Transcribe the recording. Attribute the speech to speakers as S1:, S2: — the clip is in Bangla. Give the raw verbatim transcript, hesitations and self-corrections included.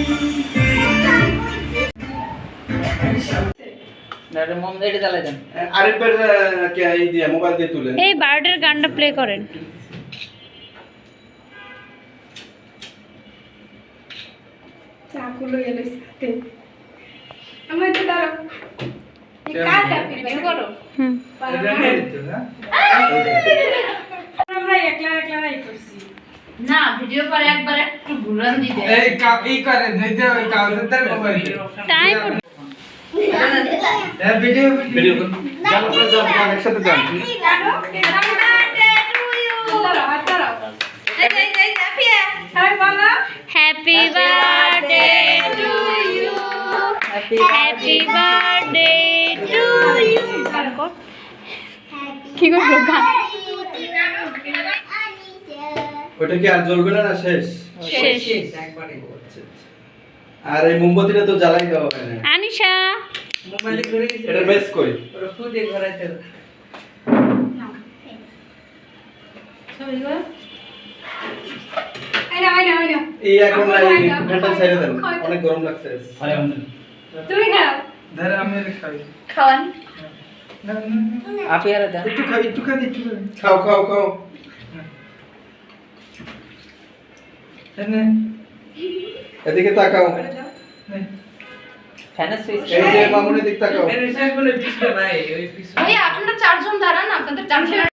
S1: আরেকবার কে এই দিয়ে মোবাইল দিয়ে তুলেন।
S2: এই বার্ডের গানটা প্লে করেন।
S3: চাকুলো এলো সাথে আমার তো দাঁড়াও এই কাটা বের করো
S2: হুম
S3: আমরা একলা একলা নাই করছি
S4: না ভিডিও পরে একবার একটু ঘুরান দিতে
S5: এই কাপি করে নইতে ওই কাউন্টার মোবাইল
S2: টাইম
S5: এই ভিডিও
S1: ভিডিও করুন। যান আপনারা যান, যান, একসাথে যান।
S3: জানো হ্যাপি বার্থডে টু ইউ দাঁড়াও হাত দাঁড়াও এই এই এই হ্যাপিয়া সবাই বলো
S2: happy birthday to you happy birthday to you কি করলো গান
S1: ওটা কি আর জ্বলবে না, না শেষ?
S2: শেষ।
S5: একবারে
S1: আচ্ছা, আচ্ছা। আর এই মোমবাতিটা তো জ্বালাই দেওয়া হয় না।
S2: আনিশা
S5: মোবাইলে করে
S1: এটা বেশ কই?
S5: ওরা খুদে ঘরাইতে
S3: এই না এই না এই না
S1: এই এখন না, এই ফ্যানটা ছেড়ে দেন, অনেক গরম লাগছে।
S3: তুমি খাও
S5: ধরে আমি খাই
S4: খাওয়ান
S5: আপি আর দাও একটু খাই একটু খাই একটু খাই
S1: খাও খাও খাও।
S5: নে
S1: এদিকে তাকাও,
S5: ফ্যানের সুইচ
S1: এই যে মামুনের দিক তাকাও।
S5: এর শেষ বলে পিছলে ভাই ওই পিছলে
S4: ভাই আপনারা চারজন দাঁড়ান আপনাদের চারজন